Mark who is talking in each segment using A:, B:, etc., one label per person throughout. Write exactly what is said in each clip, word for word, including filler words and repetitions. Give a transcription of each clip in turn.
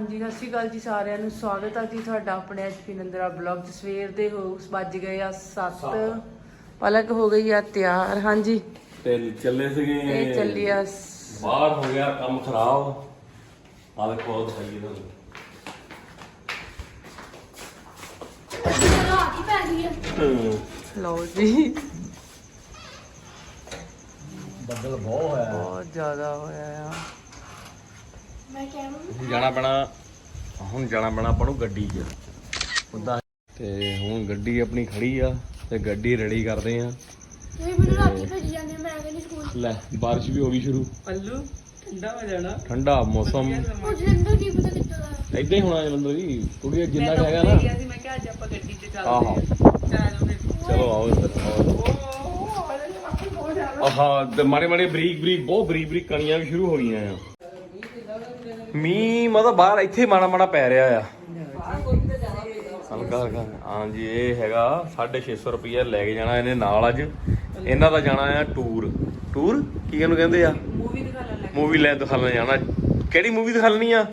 A: ਹਾਂਜੀ ਸਤਿ ਸ਼੍ਰੀ ਅਕਾਲ ਜੀ ਸਾਰਿਆਂ ਨੂੰ ਸਵਾਗਤ ਹੈ ਜੀ ਤੁਹਾਡਾ ਆਪਣੇ ਐਚਪੀ ਨੰਦਰਾ ਬਲੌਗ ਚ। ਸਵੇਰ ਦੇ ਹੋ ਵੱਜ ਗਏ ਆ ਸੱਤ। ਪਲਕ ਹੋ ਗਈ ਆ ਤਿਆਰ। ਹਾਂਜੀ
B: ਤੇ ਚੱਲੇ ਸੀਗੇ
A: ਇਹ ਚੱਲੀ ਆ
B: ਬਾਹਰ ਹੋ ਗਿਆ ਕੰਮ ਖਰਾਬ। ਆ ਦੇਖੋ ਉਹ ਦਿਖਾਈਏ ਤੁਹਾਨੂੰ।
A: ਲਓ ਜੀ
B: ਬੱਦਲ ਬਹੁਤ ਹੋਇਆ
A: ਬਹੁਤ ਜ਼ਿਆਦਾ ਹੋਇਆ ਆ।
C: ਮੈਂ ਕਹਿ
B: ਜਾਣਾ ਪੈਣਾ ਹੁਣ ਜਾਣਾ ਪੈਣਾ ਆਪਾਂ ਨੂੰ ਗੱਡੀ 'ਚ ਉਦਾਂ। ਤੇ ਹੁਣ ਗੱਡੀ ਆਪਣੀ ਖੜੀ ਆ ਤੇ ਗੱਡੀ ਰੈਡੀ ਕਰਦੇ ਆ।
C: ਤੁਸੀਂ ਮੈਨੂੰ ਰਾਤੀ ਭੇਜੀ ਜਾਂਦੇ ਮੈਂ ਕਹਿੰਦੀ ਸਕੂਲ
B: ਲੈ ਬਾਰਿਸ਼ ਵੀ ਹੋ ਗਈ ਸ਼ੁਰੂ।
A: ਪੱਲੂ ਠੰਡਾ ਹੋ ਜਾਣਾ।
B: ਠੰਡਾ ਮੌਸਮ
C: ਉਹ ਜਲੰਧਰ ਕੀ ਪਤਾ ਕਿੱਦਾਂ ਦਾ
B: ਏਦਾਂ ਹੀ ਹੋਣਾ ਜਲੰਧਰ ਜੀ। ਕੁੜੀ ਜਿੰਨਾ ਕੁ ਹੈਗਾ ਨਾ।
A: ਮੈਂ ਕਿਹਾ ਅੱਜ ਆਪਾਂ ਗੱਡੀ 'ਚ
B: ਆਹੋ
A: ਚੱਲਦੇ
B: ਚਲੋ ਆਓ ਇੱਧਰ ਆਓ। ਆਹਾ ਤੇ ਮਾੜੇ ਮਾੜੇ ਬਰੀਕ ਬਰੀਕ ਬਹੁਤ ਬਰੀਕ ਬਰੀਕ ਕਣੀਆਂ ਵੀ ਸ਼ੁਰੂ ਹੋ ਗਈਆਂ ਆ। ਮੀਂਹ ਮਤਲਬ ਬਾਹਰ ਇੱਥੇ ਮਾੜਾ ਮਾੜਾ ਪੈ ਰਿਹਾ ਆ ਹਲਕਾ ਹਲਕਾ। ਹਾਂਜੀ ਇਹ ਹੈਗਾ ਸਾਢੇ ਛੇ ਸੌ ਰੁਪਈਆ ਲੈ ਕੇ ਜਾਣਾ ਇਹਨੇ ਨਾਲ। ਅੱਜ ਇਹਨਾਂ ਦਾ ਜਾਣਾ ਆ ਟੂਰ। ਟੂਰ ਕੀ ਇਹਨੂੰ ਕਹਿੰਦੇ ਆ?
A: ਮੂਵੀ ਦਿਖਾ ਲੈ।
B: ਮੂਵੀ ਲੈ ਦਿਖਾਉਣ ਜਾਣਾ। ਕਿਹੜੀ ਮੂਵੀ ਦਿਖਾਉਣੀ ਆ?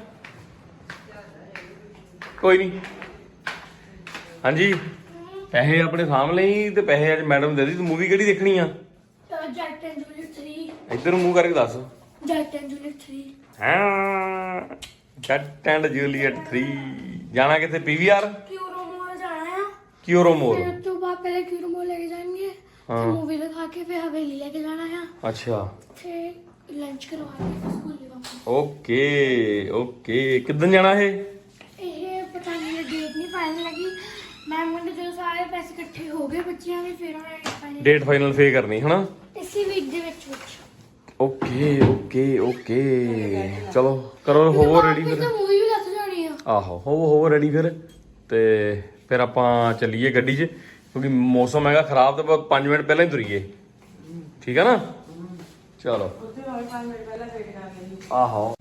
B: ਕੋਈ ਨਹੀਂ। ਹਾਂਜੀ ਪੈਸੇ ਆਪਣੇ ਸਾਹਮਣੇ ਹੀ ਤੇ ਪੈਸੇ ਅੱਜ ਮੈਡਮ ਦੇ ਦੀ। ਤੂੰ ਮੂਵੀ ਕਿਹੜੀ ਦੇਖਣੀ ਆ?
C: Jatt and Juliet three.
B: ਇੱਧਰ ਨੂੰ ਮੂੰਹ ਕਰਕੇ ਦੱਸ।
C: Jatt and Juliet three.
B: ਹਾਂ ਜੱਟ ਐਂਡ ਜੂਲੀਅਟ ਥ੍ਰੀ। ਜਾਣਾ ਕਿੱਥੇ? ਪੀਵੀਆਰ
C: ਕਿਊਰੋ ਮੋਲ ਜਾਣਾ ਆ।
B: ਕਿਊਰੋ ਮੋਲ।
C: ਫਿਰ ਉਸ ਤੋਂ ਬਾਅਦ ਪਹਿਲੇ ਕਿਊਰੋ ਮੋਲ ਲੈ ਕੇ ਜਾਣਗੇ।
B: ਹਾਂ।
C: ਫਿਰ ਮੂਵੀ ਦਿਖਾ ਕੇ ਫਿਰ ਹਵੇਲੀ ਲੈ ਕੇ ਜਾਣਾ ਆ।
B: ਅੱਛਾ
C: ਫਿਰ ਲੰਚ ਕਰਵਾ ਕੇ ਸਕੂਲ ਲੈ ਵਾਪਸ।
B: Okay okay. ਕਿੱਦਣ ਜਾਣਾ ਇਹ?
C: ਇਹ ਪਤਾ ਨਹੀਂ ਡੇਟ ਨਹੀਂ ਫਾਈਨਲ ਲੱਗੀ। ਮੈਂ ਮੁੰਡੇ ਜਦੋਂ ਸਾਰੇ ਪੈਸੇ ਇਕੱਠੇ ਹੋ ਗਏ ਬੱਚਿਆਂ ਦੇ ਫਿਰ ਉਹਨਾਂ ਨੇ ਫਾਈਨਲ
B: ਡੇਟ ਫਾਈਨਲ ਫੇ ਕਰਨੀ ਹਨਾ।
C: ਇਸੇ ਵੀਕ ਦੇ ਵਿੱਚ ਵਿੱਚ
B: ਓਕੇ ਓਕੇ ਓਕੇ ਚਲੋ ਕਰੋ ਹੋਵੋ ਰੈਡੀ ਫਿਰ।
C: ਮੂਵੀ ਵੀ ਲੱਗ ਜਾਣੀ ਆ।
B: ਆਹੋ ਹੋਵੋ ਹੋਵੋ ਰੈਡੀ ਫਿਰ। ਤੇ ਫਿਰ ਆਪਾਂ ਚੱਲੀਏ ਗੱਡੀ 'ਚ ਕਿਉਂਕਿ ਮੌਸਮ ਹੈਗਾ ਖਰਾਬ। ਤੇ ਪੰਜ ਮਿੰਟ ਪਹਿਲਾਂ ਹੀ ਤੁਰੀਏ ਠੀਕ ਆ ਨਾ। ਚਲੋ ਆਹੋ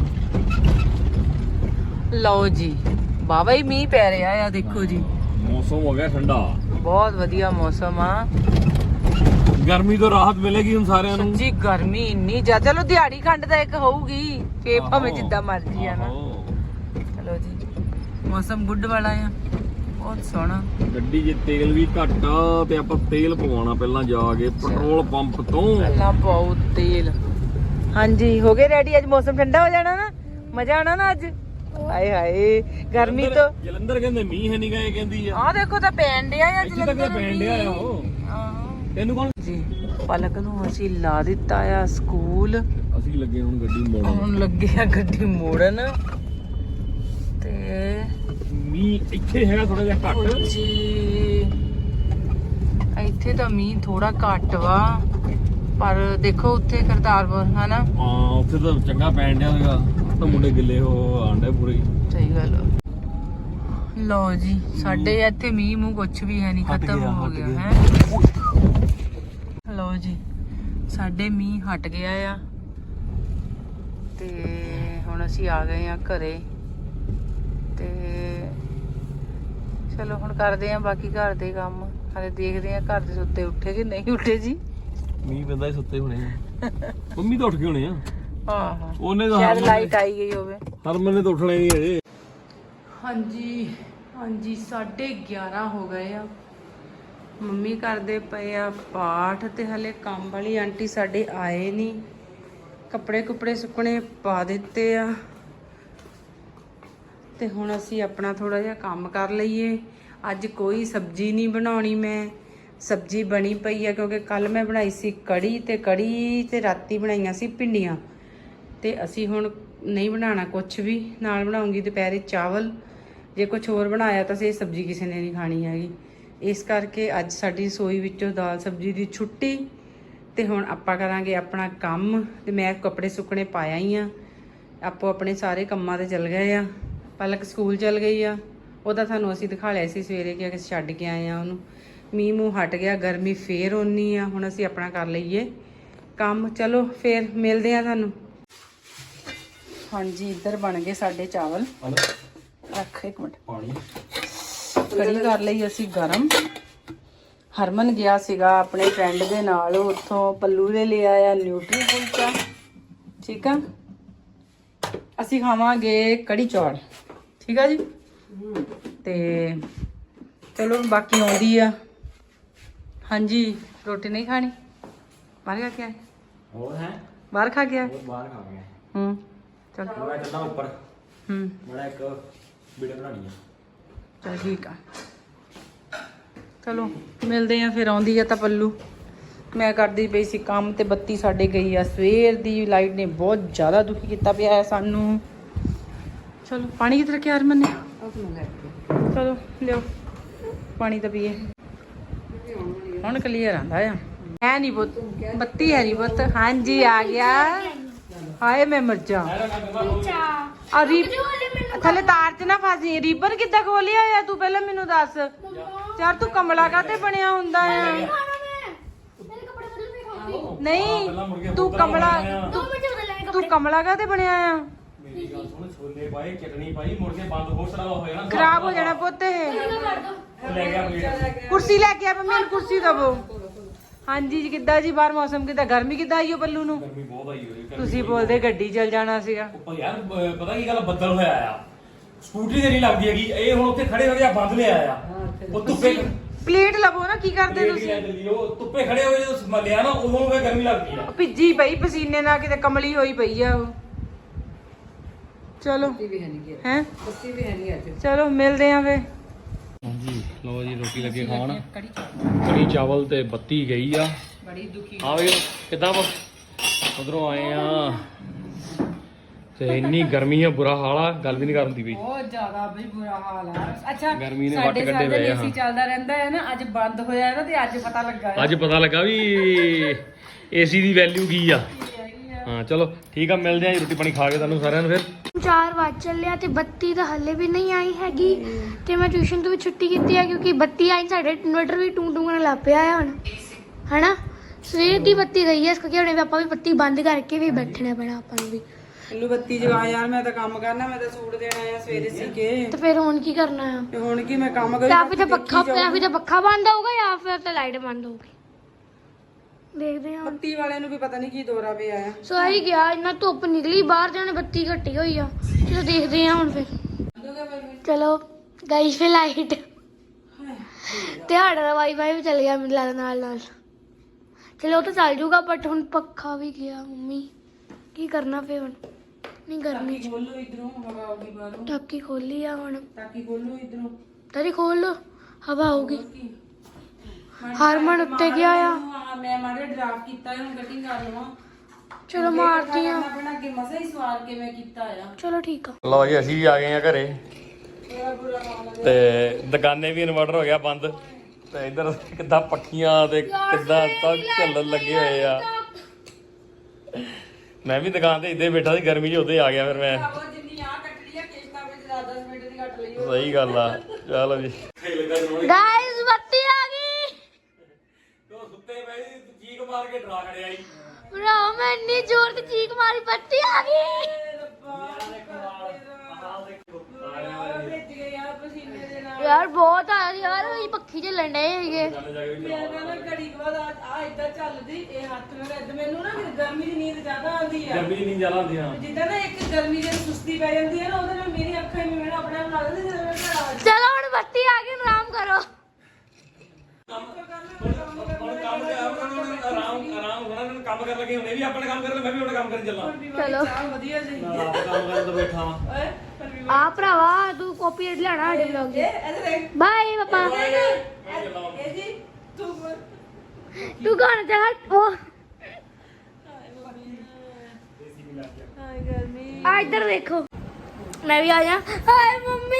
A: ਲਓ ਜੀ ਬਾਬਾ ਹੀ ਮੀਂਹ ਪੈ ਰਿਹਾ ਆ। ਦੇਖੋ ਜੀ
B: ਮੌਸਮ ਹੋ ਗਿਆ ਠੰਡਾ।
A: ਬਹੁਤ ਵਧੀਆ ਮੌਸਮ ਆ।
B: ਗਰਮੀ ਤੋਂ ਰਾਹਤ ਮਿਲੇਗੀ ਹੁਣ ਸਾਰਿਆਂ ਨੂੰ।
A: ਸੱਚੀ ਗਰਮੀ ਇੰਨੀ ਜ਼ਿਆਦਾ। ਚਲੋ ਦਿਹਾੜੀ ਖੰਡ ਦਾ ਇੱਕ ਹੋਊਗੀ ਫੇ ਭਾਵੇਂ ਜਿੱਦਾਂ ਮਰਜ਼ੀ ਆ ਨਾ।
B: ਆਹੋ।
A: ਚਲੋ ਜੀ ਮੌਸਮ ਗੁੱਡ ਵਾਲਾ ਆ। ਬਹੁਤ ਸੋਹਣਾ।
B: ਗੱਡੀ 'ਚ ਤੇਲ ਵੀ ਘੱਟ ਆ ਤੇ ਆਪਾਂ ਤੇਲ ਪਵਾਉਣਾ ਪਹਿਲਾਂ ਜਾ ਕੇ ਪੈਟਰੋਲ ਪੰਪ ਤੋਂ।
A: ਪਹਿਲਾਂ ਬਹੁਤ ਤੇਲ। ਹਾਂਜੀ ਹੋ ਗਏ ਰੈਡੀ। ਅੱਜ ਮੌਸਮ ਠੰਡਾ ਹੋ ਜਾਣਾ ਨਾ। ਮਜ਼ਾ ਆਣਾ ਨਾ ਅੱਜ। ਹਾਏ ਹਾਏ ਗਰਮੀ ਤੋਂ।
B: ਜਲੰਧਰ ਕਹਿੰਦੇ ਮੀਂਹ ਹੈ ਨਹੀਂ ਗਏ ਕਹਿੰਦੀ ਆ।
A: ਆਹ ਦੇਖੋ ਤਾਂ ਪੈਣ ਡਿਆ ਆ
B: ਇੱਥੇ ਤੱਕ ਤਾਂ ਪੈਣ ਡਿਆ ਆ ਉਹ।
A: ਆਹੋ
B: ਤੈਨੂੰ ਕੌਣ?
A: ਜੀ ਪਲਕ ਨੂੰ ਅਸੀਂ ਲਾ ਦਿੱਤਾ ਆ ਸਕੂਲ।
B: ਅਸੀਂ ਲੱਗੇ ਹੁਣ ਗੱਡੀ ਮੋੜਨ।
A: ਹੁਣ ਲੱਗੇ ਆ ਗੱਡੀ ਮੋੜਨ। ਤੇ
B: ਮੀਂਹ ਇੱਥੇ ਹੈਗਾ ਥੋੜਾ ਜਿਹਾ ਘੱਟ।
A: ਜੀ ਇੱਥੇ ਤਾਂ ਮੀਂਹ ਥੋੜਾ ਘੱਟ ਵਾ ਪਰ ਦੇਖੋ ਉੱਥੇ ਕਰਤਾਰਪੁਰ ਹਨਾ।
B: ਹਾਂ ਉੱਥੇ ਤਾਂ ਚੰਗਾ ਪੈਣ ਡਿਆ ਹੈਗਾ। ਤਾਂ ਮੁੰਡੇ ਗਿੱਲੇ ਹੋ ਆਂਡੇ ਪੂਰੇ।
A: ਸਹੀ ਗੱਲ। ਲਓ ਜੀ ਸਾਡੇ ਇੱਥੇ ਮੀਂਹ ਮੂੰਹ ਕੁਛ ਵੀ ਹੈ ਨਹੀਂ। ਖਤਮ ਹੋ ਗਿਆ ਹੈ। ਲਓ ਜੀ ਸਾਡੇ ਮੀਂਹ ਹਟ ਗਿਆ ਆ ਤੇ ਹੁਣ ਅਸੀਂ ਆ ਗਏ ਆ ਘਰੇ। ਤੇ ਚਲੋ ਹੁਣ ਕਰਦੇ ਆ ਬਾਕੀ ਘਰ ਦੇ ਕੰਮ। ਹਾਲੇ ਦੇਖਦੇ ਆ ਘਰ ਦੇ ਸੁੱਤੇ ਉੱਠੇ ਕਿ ਨਹੀਂ ਉੱਠੇ ਜੀ।
B: ਮੀਂਹ ਪੈਂਦਾ ਸੁੱਤੇ ਹੋਣੇ ਆ। ਮੰਮੀ ਤਾਂ ਉੱਠ ਗਏ ਹੋਣੇ ਆ।
A: ਆਹੋ
B: ਉਹਨੇ ਤਾਂ
A: ਸ਼ਾਇਦ ਲਾਈਟ ਆਈ ਗਈ ਹੋਵੇ।
B: ਹਰਮਨ ਨੇ ਤਾਂ ਉੱਠਣਾ ਹੀ ਨਹੀਂ ਅਜੇ।
A: ਹਾਂਜੀ ਹਾਂਜੀ ਸਾਢੇ ਗਿਆਰਾਂ ਹੋ ਗਏ ਆ। ਮੰਮੀ ਕਰਦੇ ਪਏ ਆ ਪਾਠ ਤੇ ਹਲੇ ਕੰਮ ਵਾਲੀ ਆਂਟੀ ਸਾਡੇ ਆਏ ਨਹੀਂ। ਕੱਪੜੇ ਕੁਪੜੇ ਸੁੱਕਣੇ ਪਾ ਦਿੱਤੇ ਆ ਤੇ ਹੁਣ ਅਸੀਂ ਆਪਣਾ ਥੋੜਾ ਜਿਹਾ ਕੰਮ ਕਰ ਲਈਏ। ਅੱਜ ਕੋਈ ਸਬਜ਼ੀ ਨਹੀਂ ਬਣਾਉਣੀ। ਮੈਂ ਸਬਜ਼ੀ ਬਣੀ ਪਈ ਆ ਕਿਉਂਕਿ ਕੱਲ ਮੈਂ ਬਣਾਈ ਸੀ ਕੜੀ ਤੇ ਕੜੀ ਤੇ ਰਾਤੀ ਬਣਾਈਆਂ ਸੀ ਭਿੰਡੀਆਂ। ਤੇ ਅਸੀਂ ਹੁਣ ਨਹੀਂ ਬਣਾਉਣਾ ਕੁਛ ਵੀ। ਨਾਲ ਬਣਾਉਂਗੀ ਦੁਪਹਿਰੇ ਚਾਵਲ। ਜੇ ਕੁਛ ਹੋਰ ਬਣਾਇਆ ਤਾਂ ਸੇ ਸਬਜ਼ੀ ਕਿਸੇ ਨੇ ਨਹੀਂ ਖਾਣੀ ਹੈਗੀ। ਇਸ ਕਰਕੇ ਅੱਜ ਸਾਡੀ ਰਸੋਈ ਵਿੱਚੋਂ ਦਾਲ ਸਬਜ਼ੀ ਦੀ ਛੁੱਟੀ। ਤੇ ਹੁਣ ਆਪਾਂ ਕਰਾਂਗੇ ਆਪਣਾ ਕੰਮ। ਤੇ ਮੈਂ ਕੱਪੜੇ ਸੁੱਕਣੇ ਪਾਇਆ ਹੀ ਆ। ਆਪੋ ਆਪਣੇ ਸਾਰੇ ਕੰਮਾਂ ਤੇ ਚਲ ਗਏ ਆ। ਪਲਕ ਸਕੂਲ ਚਲ ਗਈ ਆ। ਉਹਦਾ ਤੁਹਾਨੂੰ ਅਸੀਂ ਦਿਖਾ ਲਿਆ ਸੀ ਸਵੇਰੇ ਕਿ ਅਸੀਂ ਛੱਡ ਕੇ ਆਏ ਆ ਉਹਨੂੰ। ਮੀਂਹ ਮੂੰਹ ਹਟ ਗਿਆ। ਗਰਮੀ ਫੇਰ ਓਨੀ ਆ। ਹੁਣ ਅਸੀਂ ਆਪਣਾ ਕਰ ਲਈਏ ਕੰਮ। ਚਲੋ ਫੇਰ ਮਿਲਦੇ ਆ ਤੁਹਾਨੂੰ। ਹਾਂਜੀ ਇੱਧਰ ਬਣ ਗਏ ਸਾਡੇ ਚਾਵਲ। ਰੱਖ ਇੱਕ ਮਿੰਟ
B: ਪਾਣੀ
A: ਕੜੀ ਕਰ ਲਈ ਅਸੀਂ ਗਰਮ। ਹਰਮਨ ਗਿਆ ਸੀਗਾ ਆਪਣੇ ਫਰੈਂਡ ਦੇ ਨਾਲ। ਉੱਥੋਂ ਪੱਲੂ ਨੇ ਲਿਆ ਆ ਨਿਊਟਰੀ ਕੁਲਚਾ। ਠੀਕ ਆ ਅਸੀਂ ਖਾਵਾਂਗੇ ਕੜੀ ਚੌਲ, ਠੀਕ ਆ ਜੀ। ਤੇ ਚਲੋ ਬਾਕੀ ਆਉਂਦੀ ਆ। ਹਾਂਜੀ ਰੋਟੀ ਨਹੀਂ ਖਾਣੀ, ਬਾਹਰ ਖਾ ਕੇ ਆਏ।
B: ਹੋਰ ਹੈ
A: ਬਾਹਰ ਖਾ ਕੇ ਆਏ।
B: ਬਾਹਰ ਖਾ ਗਏ।
A: ਹੂੰ ਚਲ
B: ਮੈਂ ਚੱਲਦਾ ਉੱਪਰ,
A: ਹੂੰ
B: ਬੜਾ ਇੱਕ ਵੀਡੀਓ ਬਣਾਣੀ ਆ।
A: ਚਲ ਠੀਕ ਆ, ਚਲੋ ਮਿਲਦੇ ਆ ਫਿਰ। ਆਉਂਦੀ ਆ ਤਾਂ ਪੱਲੂ, ਮੈਂ ਕਰਦੀ ਪਈ ਸੀ ਕੰਮ ਤੇ ਬੱਤੀ ਸਾਡੇ ਗਈ ਆ ਸਵੇਰ ਦੀ। ਲਾਈਟ ਨੇ ਬਹੁਤ ਜ਼ਿਆਦਾ ਦੁਖੀ ਕੀਤਾ ਪਿਆ ਹੈ ਸਾਨੂੰ। ਚਲੋ ਪਾਣੀ ਕਿੱਥੇ ਰੱਖਿਆ ਹਰਮਨ ਨੇ? ਚਲੋ ਲਿਓ ਪਾਣੀ ਤਾਂ ਪੀਏ। ਹੁਣ ਕਲੀਅਰ ਆਂਦਾ ਆ। ਹੈ ਨਹੀਂ ਪੁੱਤ, ਬੱਤੀ ਹੈ ਨਹੀਂ ਪੁੱਤ। ਹਾਂਜੀ ਆ ਗਿਆ। ਹਾਏ ਮੈਂ ਮਰ ਜਾ। ਆ ਰੀਬ ਥੱਲੇ ਤਾਰ 'ਚ ਨਾ ਫਸੀ। ਰੀਬਨ ਕਿੱਦਾਂ ਖੋਲਿਆ ਆ ਤੂੰ ਪਹਿਲਾਂ ਮੈਨੂੰ ਦੱਸ ਯਾਰ। ਤੂੰ ਕਮਲਾ ਕਾਤੇ ਬਣਿਆ ਹੁੰਦਾ ਆ? ਨਹੀਂ ਤੂੰ ਕਮਲਾ, ਤੂੰ ਕਮਲਾ ਕਾਤੇ ਬਣਿਆ ਆ?
B: ਮੇਰੀ ਗੱਲ ਸੁਣ, ਛੋਲੇ ਪਾਏ, ਚਟਨੀ ਪਾਈ, ਮੁੜ ਕੇ ਬੰਦ ਹੋਰ ਸਾਰਾ ਹੋ ਜਾਣਾ,
A: ਖਰਾਬ ਹੋ ਜਾਣਾ ਪੁੱਤ ਇਹ।
B: ਲੈ ਗਿਆ ਪਲੇਟ।
A: ਕੁਰਸੀ ਲੈ ਕੇ ਆ ਮੰਮੀ ਨੂੰ, ਕੁਰਸੀ ਦਵੋ। ਹਾਂਜੀ ਜੀ ਕਿੱਦਾਂ ਜੀ ਬਾਹਰ ਮੌਸਮ ਕਿੱਦਾਂ? ਗਰਮੀ ਕਿੱਦਾਂ ਆਈ ਓ ਪੱਲੂ ਨੂੰ?
B: ਗਰਮੀ ਬਹੁਤ ਆਈ ਹੋਈ।
A: ਤੁਸੀਂ ਬੋਲਦੇ ਗੱਡੀ ਚੱਲ ਜਾਣਾ ਸੀਗਾ।
B: ਉੱਪਰ ਯਾਰ ਬ- ਪਤਾ ਕੀ ਗੱਲ, ਬੱਦਲ ਹੋਇਆ ਆ, ਸਕੂਟਰੀ ਤੇ ਨਹੀਂ ਲੱਗਦੀ ਹੈਗੀ। ਇਹ ਹੁਣ ਉੱਥੇ ਖੜੇ ਹੋ ਗਿਆ, ਬੰਦ ਲਿਆ ਆ। ਉਹ ਧੁੱਪੇ
A: ਪਲੇਟ ਲਵੋ ਨਾ, ਕੀ ਕਰਦੇ
B: ਪਲੇਟ
A: ਤੁਸੀਂ?
B: ਲੈ ਚੱਲੀ, ਉਹ ਧੁੱਪੇ ਖੜੇ ਹੋਏ ਜਦੋਂ ਲਿਆ ਨਾ, ਉਦੋਂ ਫੇ ਗਰਮੀ ਲੱਗਦੀ ਆ।
A: ਭਿੱਜੀ ਪਈ ਪਸੀਨੇ ਨਾਲ, ਕਿਤੇ ਕਮਲੀ ਹੋਈ ਪਈ ਆ ਉਹ। ਚਲੋ ਹੈ ਚਲੋ ਮਿਲਦੇ ਆ ਫੇ।
B: ਹਾਂਜੀ ਲੋ ਜੀ, ਰੋਟੀ ਲੱਗੇ ਖਾਣ। ਕੜੀ ਚਾਵਲ ਤੇ ਬੱਤੀ ਗਈ ਆ।
A: ਬੜੀ ਦੁਖੀ
B: ਆ ਵੇ ਕਿੱਦਾਂ ਵਾ, ਉਧਰੋਂ ਆਏ ਆ ਤੇ ਇੰਨੀ ਗਰਮੀ ਆ, ਬੁਰਾ ਹਾਲ ਆ, ਗੱਲ ਵੀ ਨਹੀਂ ਕਰਨ ਦੀ ਬਈ।
A: ਬਹੁਤ ਜ਼ਿਆਦਾ ਬਈ ਬੁਰਾ ਹਾਲ ਆ। ਅੱਛਾ
B: ਗਰਮੀ ਨੇ ਵੱਟ
A: ਸਾਡੇ
B: ਕੱਢੇ
A: ਸਾਡੇ
B: ਪਏ ਆ।
A: ਏਸੀ ਚੱਲਦਾ ਰਹਿੰਦਾ ਹੈ ਨਾ, ਅੱਜ ਬੰਦ ਹੋਇਆ ਹੈ ਨਾ ਤੇ ਅੱਜ ਪਤਾ ਲੱਗਾ ਹੈ।
B: ਅੱਜ ਪਤਾ ਲੱਗਾ ਵੀ ਏਸੀ ਦੀ ਵੈਲਿਊ ਕੀ ਆ। ਹਾਂ ਚਲੋ ਠੀਕ ਆ, ਮਿਲਦੇ ਆ ਜੀ ਰੋਟੀ ਪਾਣੀ ਖਾ ਕੇ ਤੁਹਾਨੂੰ ਸਾਰਿਆਂ ਨੂੰ ਫਿਰ।
C: ਚਾਰ ਵਜ ਚੱਲਿਆ ਤੇ ਬੱਤੀ ਤਾਂ ਹੱਲੇ ਵੀ ਨਹੀਂ ਆਈ ਹੈਗੀ। ਤੇ ਮੈਂ ਟਿਊਸ਼ਨ ਤੋਂ ਵੀ ਛੁੱਟੀ ਕੀਤੀ ਹੈ ਕਿਉਂਕਿ ਬੱਤੀ ਆਈ, ਸਾਡੇ ਇਨਵਰਟਰ ਵੀ ਟੂੰ ਟੂੰ ਕਰਨ ਲੱਗ ਪਿਆ ਹੈ ਹੁਣ, ਹਨਾ। ਸਵੇਰ ਦੀ ਬੱਤੀ ਗਈ ਹੈ, ਇਸ ਕਰਕੇ ਹੁਣ ਆਪਾਂ ਵੀ ਬੱਤੀ ਬੰਦ ਕਰਕੇ ਵੀ ਬੈਠਣਾ ਪੈਣਾ ਆਪਾਂ ਨੂੰ ਵੀ।
A: ਇਹਨੂੰ ਬੱਤੀ ਜਗਾ ਯਾਰ, ਮੈਂ ਤਾਂ ਕੰਮ ਕਰਨਾ, ਮੈਂ ਤਾਂ ਸੂਟ ਦੇਣਾ ਆ ਸਵੇਰੇ ਸੀ ਕੇ।
C: ਤੇ ਫਿਰ ਹੁਣ ਕੀ ਕਰਨਾ ਆ?
A: ਤੇ ਹੁਣ ਕੀ ਮੈਂ ਕੰਮ ਕਰੀ?
C: ਜਾਂ ਫਿਰ ਤਾਂ ਪੱਖਾ ਜਾਂ ਫਿਰ ਤਾਂ ਪੱਖਾ ਬੰਦ ਹੋਊਗਾ ਜਾਂ ਫਿਰ ਤਾਂ ਲਾਈਟ ਬੰਦ ਹੋਊਗੀ। ਦੇਖਦੇ ਹਾਂ।
A: ਬੱਤੀ ਵਾਲਿਆਂ ਨੂੰ ਵੀ ਪਤਾ ਨਹੀਂ ਕੀ ਦੌਰਾ ਪਿਆ ਆ।
C: ਸੋ ਆਹੀ ਗਿਆ, ਇੰਨਾ ਧੁੱਪ ਨਿਕਲੀ ਬਾਹਰ ਜਾਣੇ, ਬੱਤੀ ਘੱਟੀ ਹੋਈ ਆ। ਚਲੋ ਦੇਖਦੇ ਹਾਂ ਹੁਣ ਫਿਰ। ਚਲੋ ਗਾਈਸ ਫਿਰ ਲਾਈਟ ਤੇ ਸਾਡਾ ਦਾ ਵਾਈਫਾਈ ਵੀ ਚੱਲ ਗਿਆ ਮੈਨੂੰ ਲੱਗਦਾ ਨਾਲ ਨਾਲ। ਚਲੋ ਉਹ ਤਾਂ ਚੱਲ ਜੂਗਾ, ਬਟ ਹੁਣ ਪੱਖਾ ਵੀ ਗਿਆ। ਮੰਮੀ ਕੀ ਕਰਨਾ ਫਿਰ ਹੁਣ? ਨਹੀਂ ਗਰਮੀ ਚ
A: ਖੋਲੋ ਇਧਰੋਂ, ਹਵਾ ਆਉਗੀ ਬਾਹਰੋਂ।
C: ਟਾਕੀ ਖੋਲੀ ਆ ਹੁਣ।
A: ਟਾਕੀ ਖੋਲੋ ਇਧਰੋਂ।
C: ਤੇਰੀ ਖੋਲ ਲੋ, ਹਵਾ ਆਊਗੀ। ਹਰਮਨ ਉੱਤੇ ਗਿਆ ਆ।
A: ਹਾਂ ਮੈਂ ਮਾੜੇ ਡਰਾਫਟ ਕੀਤਾ ਹੈ, ਹੁਣ ਕਟਿੰਗ ਕਰ ਲਵਾਂ।
C: ਚਲੋ ਮਾਰਦੀ ਆ।
A: ਆਪਣਾ ਅੱਗੇ ਮਸਾ ਹੀ ਸਵਾਰ ਕੇ ਮੈਂ ਕੀਤਾ ਆ।
C: ਚਲੋ ਠੀਕ ਆ।
B: ਲਓ ਜੀ ਅਸੀਂ ਵੀ ਆ ਗਏ ਆ ਘਰੇ ਤੇ ਦੁਕਾਨੇ ਵੀ ਇਨਵਰਟਰ ਹੋ ਗਿਆ ਬੰਦ ਤੇ ਇੱਧਰ ਕਿੱਦਾਂ ਪੱਖੀਆਂ ਤੇ ਕਿੱਦਾਂ ਤੱਕ ਝੱਲਣ ਲੱਗੇ ਹੋਏ ਆ। ਮੈਂ ਵੀ ਦੁਕਾਨ ਤੇ ਇੱਦਾਂ ਹੀ ਬੈਠਾ ਸੀ, ਗਰਮੀ 'ਚ ਉੱਤੇ ਆ ਗਿਆ ਫਿਰ ਮੈਂ।
A: ਜਿੰਨੀ ਆ ਕੱਟ ਲਈ ਆ ਕਿਸ਼ਤਾਂ ਵਿੱਚ ਦਸ ਦਸ ਮਿੰਟ ਦੀ ਕੱਟ ਲਈ।
B: ਸਹੀ ਗੱਲ ਆ। ਚਲੋ ਜੀ
C: ਗਾਇਸ ਬੱਤੀ ਆ ਗਈ।
B: ਤੋ ਸੁੱਤੇ ਪਏ ਚੀਕ ਮਾਰ ਕੇ ਡਰਾ ਖੜਿਆ ਜੀ।
C: ਭਰਾ ਮੈਂ ਇੰਨੀ ਜ਼ੋਰ ਦੀ ਚੀਕ ਮਾਰੀ, ਬੱਤੀ ਆ ਗਈ। ਯਾਰ ਬਹੁਤ ਆ ਯਾਰ, ਇਹ ਪੱਖੀ ਚੱਲਣ ਡਏ ਹੈਗੇ।
A: ਘੜੀ ਬਾਅਦ ਆ ਇਦਾਂ ਚੱਲਦੀ ਇਹ ਹੱਥ ਨਾਲ ਮੈਨੂੰ ਨਾ ਗਰਮੀ ਦੀ ਨੀਂਦ ਜ਼ਿਆਦਾ ਆਉਂਦੀ ਆ।
B: ਗਰਮੀ ਨਹੀਂ ਜ਼ਿਆਦਾ ਹੁੰਦੀ ਹਾਂ।
A: ਜਿੱਦਾਂ ਨਾ ਇੱਕ ਗਰਮੀ ਦੀ ਸੁਸਤੀ ਪੈ ਜਾਂਦੀ ਹੈ ਨਾ, ਉਹਦੇ ਨਾਲ ਮੇਰੀ ਅੱਖਾਂ ਹੀ ਮੈਨੂੰ ਆਪਣੇ ਆਪ ਲੱਗਦਾ ਜਦੋਂ ਮੈਂ ਘਰ ਆ
C: ਚਲੋ ਹੁਣ ਬੱਤੀ ਆ ਗਈ, ਆਰਾਮ ਕਰੋ।
B: ਆਰਾਮ ਆਰਾਮ ਹੋਣਾ, ਕੰਮ ਕਰਨ ਲੱਗੇ ਹੁਣੇ ਵੀ ਆਪਣਾ ਕੰਮ ਕਰ ਲੈ, ਮੈਂ ਵੀ ਆਪਣਾ ਕੰਮ ਕਰਨ ਚੱਲਾਂ।
C: ਚਲੋ
A: ਵਧੀਆ ਜੀ।
B: ਕੰਮ ਕਰਨ ਤੋਂ ਬੈਠਾ ਵਾਂ।
C: ਆ ਭਰਾਵਾ ਤੂੰ ਕਾਪੀ ਲੈਣਾ ਸਾਡੇ ਵਲੌਗ ਦੀ। ਬਾਏ ਪਾਪਾ।
A: ਇਹ ਜੀ ਤੂੰ
C: ਤੂੰ ਗਾਣਾ ਚਾਹ ਉਹ
A: ਹਾਏ ਗਰਮੀ।
C: ਆ ਇੱਧਰ ਦੇਖੋ, ਮੈਂ ਵੀ ਆ ਜਾ। ਹਾਏ ਮੰਮੀ,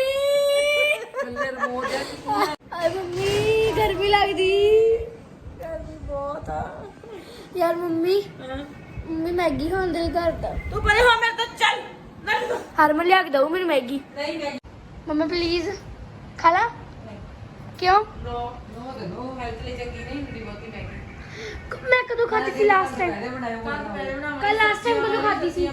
C: ਹਾਏ ਮੰਮੀ ਗਰਮੀ ਲੱਗਦੀ, ਗਰਮੀ ਬਹੁਤ ਆ ਯਾਰ। ਮੰਮੀ ਮੰਮੀ ਮੈਗੀ ਖਾਣ ਦੇ ਘਰ ਦਾ।
A: ਤੂੰ ਪਰੇ ਹੋ ਮੇਰੇ ਤੋਂ, ਚੱਲ ਨਾ।
C: ਹਰਮਨ ਲਿਆ ਕੇ ਦਊ ਮੈਨੂੰ ਮੈਗੀ।
A: ਨਹੀਂ ਨਹੀਂ
C: ਮੰਮਾ ਪਲੀਜ਼ ਖਾ ਲਾ। ਕਿਉਂ?
A: ਨੋ ਨੋ ਦੇ ਨੋ, ਹੈਲਥ ਲਈ ਚੰਗੀ ਨਹੀਂ ਹੁੰਦੀ ਬਹੁਤੀ ਮੈਗੀ।
C: ਮੈਂ ਕਦੋਂ ਖਾਧੀ ਸੀ ਲਾਸਟ ਟਾਈਮ?
A: ਪਹਿਲੇ ਬਣਾਇਆ ਹੋਇਆ ਪਹਿਲੇ ਬਣਾਇਆ
C: ਕੱਲ ਲਾਸਟ ਟਾਈਮ ਕਦੋਂ ਖਾਧੀ ਸੀ?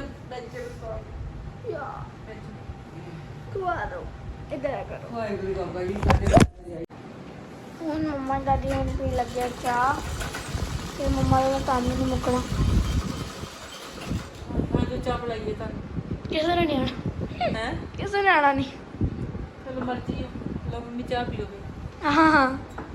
C: ਯਾਰ ਖਵਾ ਦੋ, ਇੱਧਰ ਆ ਕਰੋ।
A: ਵਾਹਿਗੁਰੂ ਬਾਬਾ ਜੀ ਸਾਡੇ।
C: ਹੁਣ ਮੰਮਾ ਦਾਦੀ ਹੁਣ ਪੀ ਲੱਗਿਆ ਚਾਹ ਤੇ ਮੰਮਾ ਦਾ ਕੰਮ ਨਹੀਂ ਮੁੱਕਣਾ।
A: ਹਾਂ ਜੋ ਚਾਹ ਬਣਾਈਏ ਤਾਂ
C: ਕਿਸੇ ਨੇ ਨਹੀਂ ਆਣਾ
A: ਹੈ
C: ਕਿਸੇ ਨੇ ਆਣਾ ਨਹੀਂ
A: ਚਲੋ ਮਰਜ਼ੀ ਹੈ ਲਓ ਮੰਮੀ ਚਾਹ ਪੀਓਗੇ
C: ਹਾਂ ਹਾਂ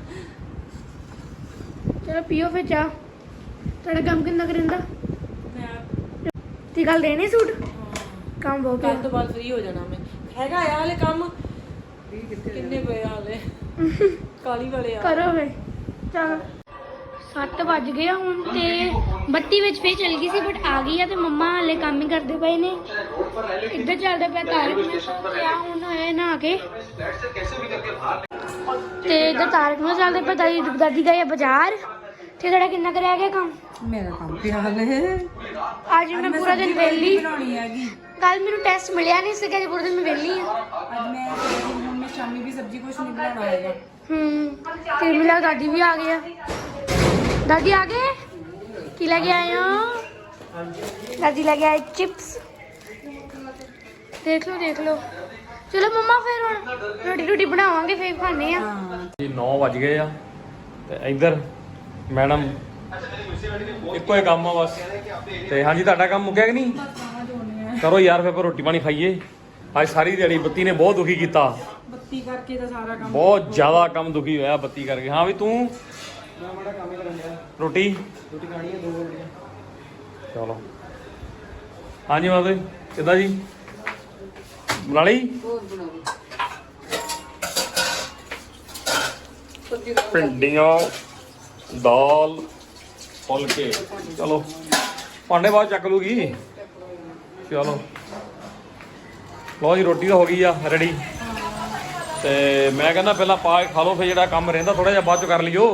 C: ਚਲੋ ਪੀਓ ਫਿਰ ਚਾਹ ਤੁਹਾਡਾ ਕੰਮ ਕਿੰਨਾ ਕਰਿੰਦਾ
A: ਮੈਂ
C: ਤੇ ਕੱਲ ਦੇਣੇ ਸੂਟ ਕੰਮ ਬਹੁਤ
A: ਕੱਲ
C: ਪਿਆ
A: ਤੋਂ ਬਾਅਦ ਫ੍ਰੀ ਹੋ ਜਾਣਾ ਮੈਂ ਹੈਗਾ ਆ ਹਲੇ ਕੰਮ ਕਿੰਨੇ ਪਏ ਆ ਹਲੇ ਕਾਲੀ ਵਾਲੇ ਆ
C: ਕਰੋ ਵੇ ਚਲ ਸੱਤ ਵੱਜ ਗਏ ਆ ਹੁਣ ਤੇ ਬੱਤੀ ਵਿੱਚ ਫੇਰ ਚਲ ਗਈ ਸੀ ਬਟ ਆ ਗਈ ਆ ਤੇ ਮੰਮਾ ਹਲੇ ਕੰਮ ਹੀ ਕਰਦੇ ਪਏ ਨੇ ਇੱਧਰ ਚੱਲਦਾ ਪਿਆ ਤਾਰਕ ਮਹਿਤਾ ਤੇ ਆ ਹੁਣ ਹੋਇਆ ਨਹਾ ਕੇ ਤੇ ਇੱਧਰ ਤਾਰਕ ਮਹਿਤਾ ਚੱਲਦੇ ਪਿਆ ਦਾਦੀ ਦਾਦੀ ਗਈ ਆ ਬਾਜ਼ਾਰ ਤੇ ਤੁਹਾਡਾ ਕਿੰਨਾ ਕੁ ਰਹਿ ਗਿਆ ਕੰਮ
A: ਮੇਰਾ ਕੰਮ ਪਿਆ ਹਲੇ
C: ਅੱਜ ਮੈਂ ਪੂਰਾ ਦਿਨ ਵਿਹਲੀ
A: ਬਣਾਉਣੀ ਹੈਗੀ
C: ਕੱਲ ਮੈਨੂੰ ਟੈਸਟ ਮਿਲਿਆ ਨਹੀਂ ਸੀਗਾ ਜੀ ਪੂਰਾ ਦਿਨ ਮੈਂ ਵਿਹਲੀ ਆ
A: ਅੱਜ ਮੈਂ ਹੁਣ ਮੈਂ ਸ਼ਾਮੀ ਵੀ ਸਬਜ਼ੀ ਕੁਛ ਨਹੀਂ ਬਣਾਉਣਾ ਹੈਗਾ
C: ਹੂੰ ਤੇ ਮਿਲਾ ਦਾਦੀ ਵੀ ਆ ਗਈ ਆ ਦਾਦੀ ਆ ਗਏ ਕੀ ਲੈ ਕੇ ਆਏ ਹੋ ਦਾਦੀ ਲੈ ਕੇ ਆਏ ਚਿਪਸ ਦੇਖ ਲਓ ਦੇਖ ਲਓ ਚਲੋ ਮੰਮਾ ਫਿਰ ਹੁਣ ਰੋਟੀ ਰੋਟੀ ਬਣਾਵਾਂਗੇ ਫੇਰ ਖਾਣੇ ਆ
B: ਜੀ ਨੌ ਵੱਜ ਗਏ ਆ ਤੇ ਇੱਧਰ ਮੈਡਮ ਇੱਕੋ ਹੀ ਕੰਮ ਆ ਬਸ ਤੇ ਹਾਂਜੀ ਤੁਹਾਡਾ ਕੰਮ ਮੁੱਕਿਆ ਕਿ ਨਹੀਂ ਕਰੋ ਯਾਰ ਫਿਰ ਆਪਾਂ ਰੋਟੀ ਪਾਣੀ ਖਾਈਏ ਅੱਜ ਸਾਰੀ ਦਿਹਾੜੀ ਬੱਤੀ ਨੇ ਬਹੁਤ ਦੁਖੀ ਕੀਤਾ
A: ਬੱਤੀ ਕਰਕੇ ਤਾਂ ਸਾਰਾ ਕੰਮ
B: ਬਹੁਤ ਜ਼ਿਆਦਾ ਕੰਮ ਦੁਖੀ ਹੋਇਆ ਬੱਤੀ ਕਰਕੇ ਹਾਂ ਵੀ ਤੂੰ
D: ਮੈਂ ਮਾੜਾ ਕੰਮ ਹੀ ਕਰਨ ਦਿਆ
B: ਰੋਟੀ
D: ਰੋਟੀ ਖਾਣੀ ਹੈ ਦੋ ਰੋਟੀਆਂ
B: ਚਲੋ ਹਾਂਜੀ ਮਾਤਾ ਜੀ ਕਿੱਦਾਂ ਜੀ ਬਣਾ ਲਈ
A: ਹੋਰ ਬਣਾਓ
B: ਭਿੰਡੀਆਂ ਦਾਲ ਫੁਲਕੇ ਚਲੋ ਭਾਂਡੇ ਬਾਅਦ ਚੱਕ ਲੂਗੀ ਚਲੋ ਲਓ ਜੀ ਰੋਟੀ ਤਾਂ ਹੋ ਗਈ ਆ ਰੈਡੀ ਤੇ ਮੈਂ ਕਹਿੰਦਾ ਪਹਿਲਾਂ ਪਾ ਕੇ ਖਾ ਲਓ ਫਿਰ ਜਿਹੜਾ ਕੰਮ ਰਹਿੰਦਾ ਥੋੜਾ ਜਿਹਾ ਬਾਅਦ ਚ ਕਰ ਲਿਓ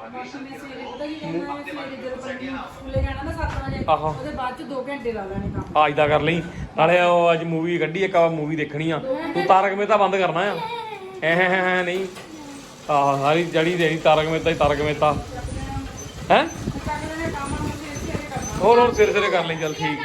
A: ਸਕੂਲੇ ਜਾਣਾ ਨਾ ਸੱਤ ਵਜੇ
B: ਆਹੋ
A: ਉਹਦੇ ਬਾਅਦ ਚ ਦੋ ਘੰਟੇ ਲਾ ਲੈਣੇ ਕੰਮ
B: ਆ ਇਦਾਂ ਕਰ ਲਈ ਨਾਲੇ ਉਹ ਅੱਜ ਮੂਵੀ ਕੱਢੀ ਇੱਕ ਮੂਵੀ ਦੇਖਣੀ ਆ ਤੂੰ ਤਾਰਕ ਮਹਿਤਾ ਬੰਦ ਕਰਨਾ ਆ ਐ ਹੈ ਨਹੀਂ ਆਹ ਸਾਰੀ ਜੜੀ ਦੇਣੀ ਤਾਰਕ ਮਹਿਤਾ ਹੀ ਤਾਰਕ ਮਹਿਤਾ ਹੈ ਹੋਰ ਹੋਰ ਸਿਰ ਸਿਰੇ ਕਰ ਲਈ ਚੱਲ ਠੀਕ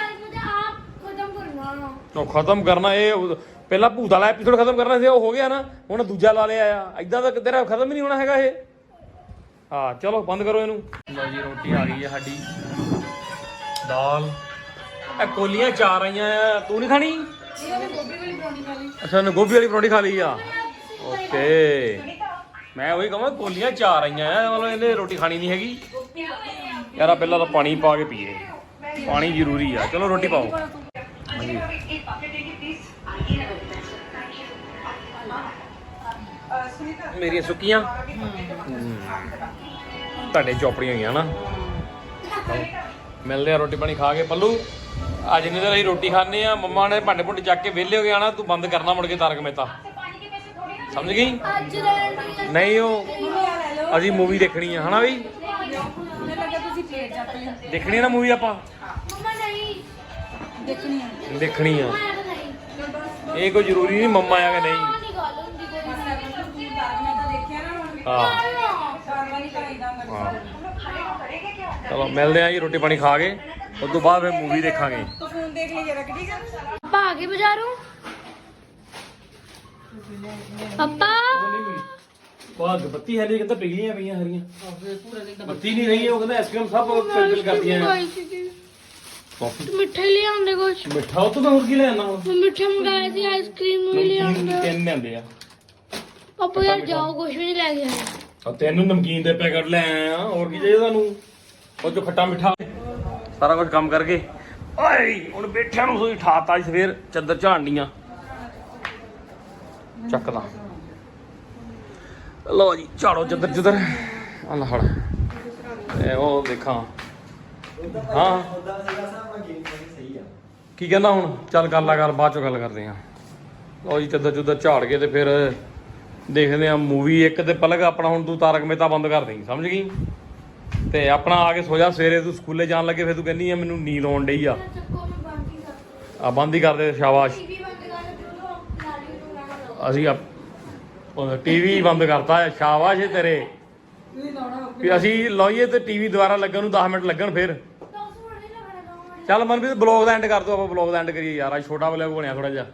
B: ਉਹ ਖਤਮ ਕਰਨਾ ਇਹ ਉਹ- ਪਹਿਲਾਂ ਭੂਤ ਵਾਲਾ ਐਪੀਸੋਡ ਖਤਮ ਕਰਨਾ ਸੀ ਉਹ ਹੋ ਗਿਆ ਨਾ ਹੁਣ ਦੂਜਾ ਲਾ ਲਿਆ ਆ ਇਦਾਂ ਤਾਂ ਤੇਰਾ ਖਤਮ ਹੀ ਨਹੀਂ ਹੋਣਾ ਹੈਗਾ ਇਹ ਹਾਂ ਚਲੋ ਬੰਦ ਕਰੋ ਇਹਨੂੰ ਲਓ ਜੀ ਰੋਟੀ ਆ ਗਈ ਹੈ ਸਾਡੀ ਦਾਲ ਇਹ ਕੋਲੀਆਂ ਚਾਰ ਆਈਆਂ ਆ ਤੂੰ ਨਹੀਂ ਖਾਣੀ ਅੱਛਾ ਉਹਨੇ ਗੋਭੀ ਵਾਲੀ ਪਰੌਂਠੀ ਖਾ ਲਈ ਆ ਓਕੇ ਮੈਂ ਉਹੀ ਕਹਾਂ ਕੋਲੀਆਂ ਚਾਰ ਆਈਆਂ ਆ ਮਤਲਬ ਇਹਨੇ ਰੋਟੀ ਖਾਣੀ ਨਹੀਂ ਹੈਗੀ ਯਾਰਾ ਪਹਿਲਾਂ ਤਾਂ ਪਾਣੀ ਪਾ ਕੇ ਪੀਏ ਪਾਣੀ ਜ਼ਰੂਰੀ ਆ ਚਲੋ ਰੋਟੀ ਪਾਓ ਹਾਂਜੀ ਮੇਰੀਆਂ ਸੁੱਕੀਆਂ ਤੁਹਾਡੇ ਚੋਪੜੀਆਂ ਹੋਈਆਂ ਨਾ ਮਿਲਦੇ ਆ ਰੋਟੀ ਪਾਣੀ ਖਾ ਕੇ ਪੱਲੂ ਅੱਜ ਨਹੀਂ ਤਾਂ ਅਸੀਂ ਰੋਟੀ ਖਾਣੇ ਆ ਮੰਮਾ ਨੇ ਭਾਂਡੇ ਭੁੰਡੇ ਚੱਕ ਕੇ ਵਿਹਲੇ ਹੋ ਗਏ ਆਣਾ ਤੂੰ ਬੰਦ ਕਰਨਾ ਮੁੜ ਕੇ ਤਾਰਕ ਮਹਿਤਾ ਸਮਝ ਗਈ ਨਹੀਂ ਉਹ ਅਸੀਂ ਮੂਵੀ ਦੇਖਣੀ ਆ ਹਨਾ ਬਈ ਦੇਖਣੀ ਆ ਨਾ ਮੂਵੀ ਆਪਾਂ ਦੇਖਣੀ ਆ ਇਹ ਕੋਈ ਜ਼ਰੂਰੀ ਨਹੀਂ ਮੰਮਾ ਆ ਕਿ ਨਹੀਂ ਹਾਂ ਹਾਂ ਚਲੋ ਮਿਲਦੇ ਆ ਜੀ ਰੋਟੀ ਪਾਣੀ ਖਾ ਕੇ ਉਸ ਤੋਂ ਬਾਅਦ ਫਿਰ ਮੂਵੀ ਦੇਖਾਂਗੇ
A: ਫੋਨ ਦੇਖ ਲਈ ਜਰਾ ਠੀਕ ਹੈ
C: ਪਾਪਾ ਆ ਗਏ ਬਾਜ਼ਾਰੋਂ ਪਾਪਾ
B: ਬਾਅਦ ਬੱਤੀ ਹੈ ਨਹੀਂ ਕਹਿੰਦਾ ਪਿਘਲੀਆਂ ਪਈਆਂ ਹਰੀਆਂ ਬੱਤੀ ਨਹੀਂ ਰਹੀ ਉਹ ਕਹਿੰਦਾ ਆਈਸਕ੍ਰੀਮ ਸਭ ਫਿਲ ਕਰਦੀਆਂ
C: ਤੂੰ ਮਿੱਠਾ ਹੀ ਲਿਆਉਂਦੇ ਕੁਛ
B: ਮਿੱਠਾ ਉਹ ਤੋਂ ਮੈਂ ਹੋਰ ਕੀ ਲੈ ਆਣਾ ਹੁਣ
C: ਮੈਂ ਮਿੱਠਾ ਮੰਗਾਇਆ ਸੀ ਆਈਸਕ੍ਰੀਮ ਵੀ ਲਿਆਉਂਦਾ
B: ਤਿੰਨ ਲਿਆਂਦੇ ਆ
C: ਪਾਪਾ ਯਾਰ ਜਾਓ ਕੁਛ ਵੀ ਨਹੀਂ ਲੈ ਕੇ ਆਏ
B: ਆ ਤੈਨੂੰ ਨਮਕੀਨ ਦੇ ਪੈਕਟ ਲੈ ਆਇਆ ਹੋਰ ਕੀ ਚਾਹੀਦਾ ਤੁਹਾਨੂੰ ਉਹ ਜੋ ਖੱਟਾ ਮਿੱਠਾ ਸਾਰਾ ਕੁਝ ਕੰਮ ਕਰਕੇ ਓਏ ਹੁਣ ਬੈਠਿਆਂ ਨੂੰ ਸੋਈ ਠਾਤਾ ਇਸ ਫੇਰ ਚੱਦਰ ਝਾੜਨੀਆਂ ਚੱਕਦਾ ਲਓ ਜੀ ਝਾੜੋ ਚੱਦਰ ਚੱਦਰ ਆ ਲੈ ਫੜ ਇਹ ਉਹ ਦੇਖਾਂ ਹਾਂ
D: ਉਹਦਾ ਸੀਗਾ ਸਾਹਿਬ ਮੈਂ ਗੇਮ ਨਹੀਂ ਸਹੀ ਆ
B: ਕੀ ਕਹਿੰਦਾ ਹੁਣ ਚੱਲ ਗੱਲ ਆ ਗੱਲ ਬਾਅਦ ਚੋਂ ਗੱਲ ਕਰਦੇ ਆ ਲਓ ਜੀ ਚੱਦਰ ਚੁੱਦਰ ਝਾੜ ਕੇ ਤੇ ਫਿਰ ਦੇਖਦੇ ਆ ਮੂਵੀ ਇੱਕ ਤੇ ਪਲਕ ਆਪਣਾ ਹੁਣ ਤੂੰ ਤਾਰਕ ਮਹਿਤਾ ਬੰਦ ਕਰ ਦੇਂਗੀ ਸਮਝ ਗਈ ਤੇ ਆਪਣਾ ਆ ਕੇ ਸੋ ਜਾ ਸਵੇਰੇ ਤੂੰ ਸਕੂਲੇ ਜਾਣ ਲੱਗੇ ਫਿਰ ਤੂੰ ਕਹਿੰਦੀ ਆ ਮੈਨੂੰ ਨੀਂਦ ਆਉਣ ਡਈ ਆ ਆ ਬੰਦ ਹੀ ਕਰ ਦੇ ਸ਼ਾਬਾਸ਼ ਅਸੀਂ ਟੀਵੀ ਬੰਦ ਕਰਤਾ ਹੈ ਸ਼ਾਬਾਸ਼ ਏ ਤੇਰੇ ਵੀ ਅਸੀਂ ਲਾਈਏ ਤੇ ਟੀਵੀ ਦੁਬਾਰਾ ਲੱਗਣ ਨੂੰ ਦਸ ਮਿੰਟ ਲੱਗਣ ਫਿਰ ਚੱਲ ਮਨਪ੍ਰੀਤ ਬਲੌਗ ਦਾ ਐਂਡ ਕਰ ਦੋ ਆਪਾਂ ਬਲੌਗ ਦਾ ਐਂਡ ਕਰੀਏ ਯਾਰ ਅੱਜ ਛੋਟਾ ਬਲੌਗ ਬਣਿਆ ਥੋੜਾ ਜਿਹਾ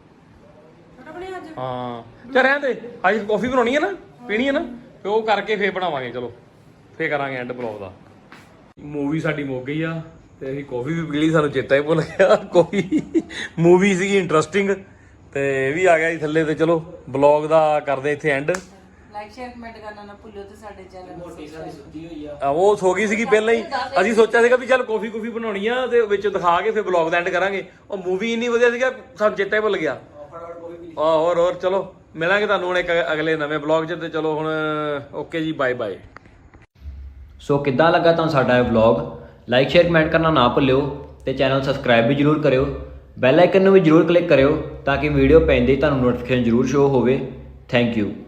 B: ਹਾਂ ਚੱਲ ਰਹਿਣ ਦੇ ਅੱਜ ਕਾਫੀ ਬਣਾਉਣੀ ਹੈ ਨਾ ਪੀਣੀ ਹੈ ਨਾ ਤੇ ਉਹ ਕਰਕੇ ਫੇਰ ਬਣਾਵਾਂਗੇ ਚਲੋ ਫੇਰ ਕਰਾਂਗੇ ਐਂਡ ਬਲੌਗ ਦਾ ਮੂਵੀ ਸਾਡੀ ਮੁੱਕ ਗਈ ਆ ਤੇ ਅਸੀਂ ਕਾਫੀ ਵੀ ਪੀ ਲਈ, ਸਾਨੂੰ ਚੇਤਾ ਹੀ ਭੁੱਲ ਗਿਆ। ਕੋਈ ਮੂਵੀ ਸੀਗੀ ਇੰਟਰਸਟਿੰਗ ਤੇ ਇਹ ਵੀ ਆ ਗਿਆ ਜੀ ਥੱਲੇ। ਤੇ ਚਲੋ ਬਲੌਗ ਦਾ ਕਰਦੇ ਇੱਥੇ ਐਂਡ।
A: ਲਾਈਕ ਸ਼ੇਅਰ ਕਮੈਂਟ ਕਰਨਾ ਨਾ ਭੁੱਲਿਓ ਤੇ ਸਾਡੇ ਚੈਨਲ ਨੂੰ
D: ਮੋਟੀ ਸਾਡੀ ਸੁੱਤੀ ਹੋਈ ਆ।
B: ਆ ਉਹ ਸੋ ਗਈ ਸੀਗੀ ਪਹਿਲਾਂ ਹੀ। ਅਸੀਂ ਸੋਚਿਆ ਸੀਗਾ ਵੀ ਚੱਲ ਕਾਫੀ ਕੁਫੀ ਬਣਾਉਣੀ ਆ ਤੇ ਵਿੱਚ ਦਿਖਾ ਕੇ ਫਿਰ ਬਲੌਗ ਦਾ ਐਂਡ ਕਰਾਂਗੇ। ਉਹ ਮੂਵੀ ਇੰਨੀ ਵਧੀਆ ਸੀਗਾ ਸਾਨੂੰ ਚੇਤਾ ਹੀ ਭੁੱਲ ਗਿਆ। ਆ ਹੋਰ ਹੋਰ ਚਲੋ ਮਿਲਾਂਗੇ ਤੁਹਾਨੂੰ ਹੁਣ ਇੱਕ ਅਗਲੇ ਨਵੇਂ ਬਲੌਗ 'ਚ। ਤੇ ਚਲੋ ਹੁਣ ਓਕੇ ਜੀ, ਬਾਏ ਬਾਏ।
E: ਸੋ ਕਿੱਦਾਂ ਲੱਗਾ ਤੁਹਾਨੂੰ ਸਾਡਾ ਇਹ ਵਲੌਗ? ਲਾਈਕ ਸ਼ੇਅਰ ਕਮੈਂਟ ਕਰਨਾ ਨਾ ਭੁੱਲਿਓ ਤੇ ਚੈਨਲ ਸਬਸਕ੍ਰਾਈਬ ਵੀ ਜ਼ਰੂਰ ਕਰਿਓ। ਬੈਲ ਆਈਕਨ ਨੂੰ ਵੀ ਜ਼ਰੂਰ ਕਲਿੱਕ ਕਰਿਓ ਤਾਂ ਕਿ ਵੀਡੀਓ ਪੈਂਦੇ ਹੀ ਤੁਹਾਨੂੰ ਨੋਟੀਫਿਕੇਸ਼ਨ ਜ਼ਰੂਰ ਸ਼ੋ ਹੋਵੇ। Thank you.